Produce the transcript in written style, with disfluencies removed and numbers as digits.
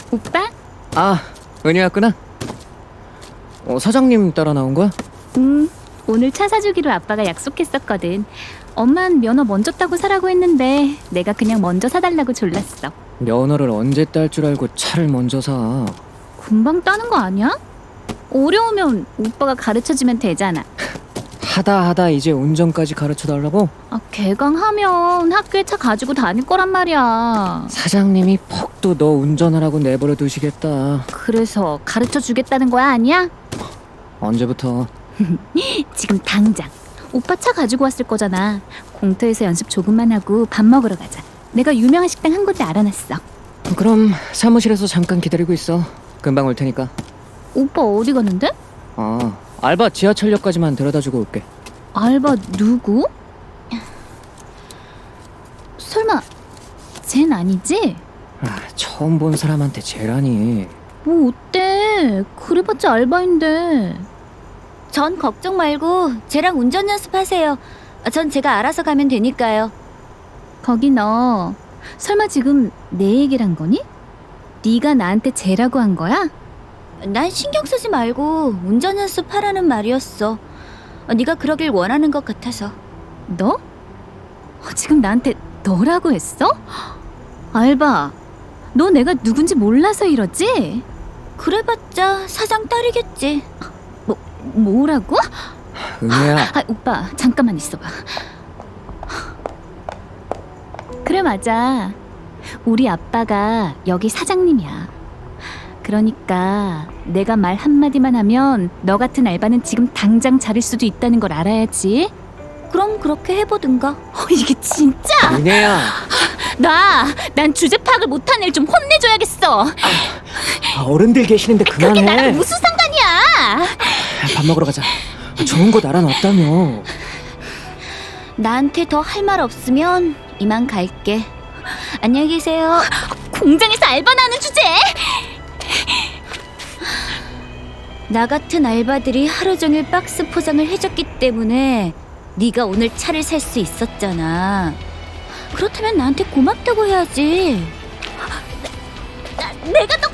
오빠? 아, 은희 왔구나. 사장님 따라 나온 거야? 오늘 차 사주기로 아빠가 약속했었거든. 엄만 면허 먼저 따고 사라고 했는데 내가 그냥 먼저 사달라고 졸랐어. 면허를 언제 딸 줄 알고 차를 먼저 사. 금방 따는 거 아니야? 어려우면 오빠가 가르쳐주면 되잖아. 하다 이제 운전까지 가르쳐 달라고? 아, 개강하면 학교에 차 가지고 다닐 거란 말이야. 사장님이 퍽도 너 운전하라고 내버려 두시겠다. 그래서 가르쳐 주겠다는 거야, 아니야? 언제부터? 지금 당장. 오빠 차 가지고 왔을 거잖아. 공터에서 연습 조금만 하고 밥 먹으러 가자. 내가 유명한 식당 한 군데 알아놨어. 그럼 사무실에서 잠깐 기다리고 있어. 금방 올 테니까. 오빠 어디 가는데? 알바 지하철역까지만 데려다주고 올게. 알바 누구? 설마 쟨 아니지? 처음 본 사람한테 쟤라니. 뭐 어때? 그래봤자 알바인데. 전 걱정 말고 쟤랑 운전 연습하세요. 전 제가 알아서 가면 되니까요. 거기 너 설마 지금 내 얘기를 한 거니? 네가 나한테 쟤라고 한 거야? 난 신경 쓰지 말고 운전 연습하라는 말이었어. 네가 그러길 원하는 것 같아서. 너? 지금 나한테 너라고 했어? 알바, 너 내가 누군지 몰라서 이러지? 그래봤자 사장 딸이겠지. 뭐라고? 은혜야. 오빠 잠깐만 있어봐. 그래 맞아. 우리 아빠가 여기 사장님이야. 그러니까 내가 말 한마디만 하면 너 같은 알바는 지금 당장 자를 수도 있다는 걸 알아야지. 그럼 그렇게 해보든가. 이게 진짜? 은혜야. 난 주제 파악을 못한 애 좀 혼내줘야겠어. 어른들 계시는데 그게 나랑 그만해. 무슨 상관이야? 밥 먹으러 가자. 좋은 곳 알아놨다며. 나한테 더 할 말 없으면 이만 갈게. 안녕히 계세요. 공장에서 알바나 하는 주제? 나 같은 알바들이 하루 종일 박스 포장을 해줬기 때문에 네가 오늘 차를 살 수 있었잖아. 그렇다면 나한테 고맙다고 해야지. 내가 더